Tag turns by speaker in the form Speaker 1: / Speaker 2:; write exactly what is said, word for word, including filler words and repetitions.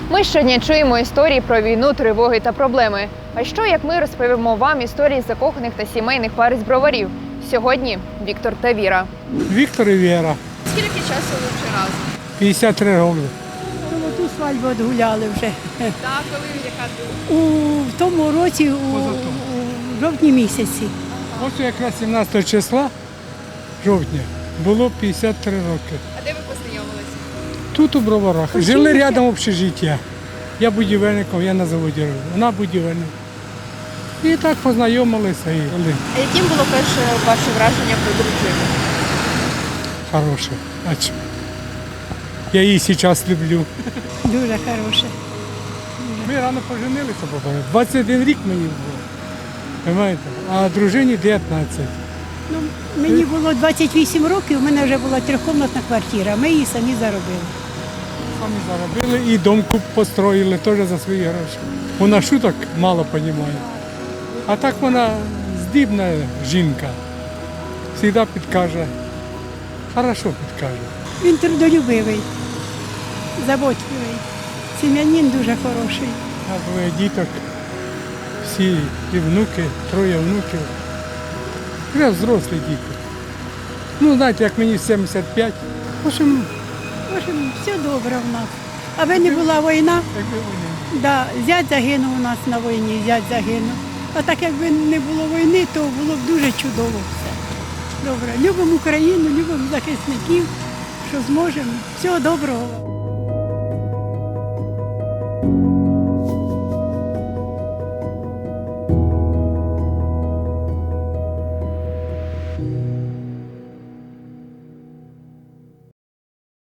Speaker 1: Ми щодня чуємо історії про війну, тривоги та проблеми. А що, як ми розповімо вам історії закоханих та сімейних пар із Броварів? Сьогодні Віктор та Віра.
Speaker 2: Віктор і Віра.
Speaker 1: Скільки часу ви вже разом?
Speaker 2: п'ятдесят три роки.
Speaker 3: Золоту свадьбу відгуляли вже.
Speaker 1: Так, коли яка
Speaker 3: У в тому році, у, у жовтні місяці.
Speaker 2: Ось якраз сімнадцятого числа жовтня було п'ятдесят три роки.
Speaker 1: А де ви познайомилися?
Speaker 2: Тут у Броварах.
Speaker 3: Училися.
Speaker 2: Жили рядом общежиття. Я будівельником, я на заводі робив. Вона будівельник. І так познайомилися і жили.
Speaker 1: А яким було перше ваше враження про дружину?
Speaker 2: Хороше. А чому? Я її зараз люблю.
Speaker 3: Дуже хороше.
Speaker 2: Ми рано поженилися, бабаре. двадцять один рік мені було. Понимаєте? А дружині дев'ятнадцять.
Speaker 3: Ну, мені було двадцять вісім років, у мене вже була трьохкомнатна квартира, ми її самі заробили.
Speaker 2: Самі заробили і дом куп построїли теж за свої гроші. Вона шуток мало розуміє. А так вона здібна жінка. Завжди підкаже. Хорошо підкаже.
Speaker 3: Він трудолюбивий, заботливий, сім'янин дуже хороший.
Speaker 2: А двоє діток, всі і внуки, троє внуків. Вже взрослі діти. Ну, знаєте, як мені сімдесят п'ять. В общем,
Speaker 3: В общем, все добре в нас. Аби не була війна,
Speaker 2: якби вони.
Speaker 3: да, зять загинув у нас на війні, зять загинув. А так якби не було війни, то було б дуже чудово все. Добре, любимо Україну, любимо захисників, що зможемо. Всього доброго.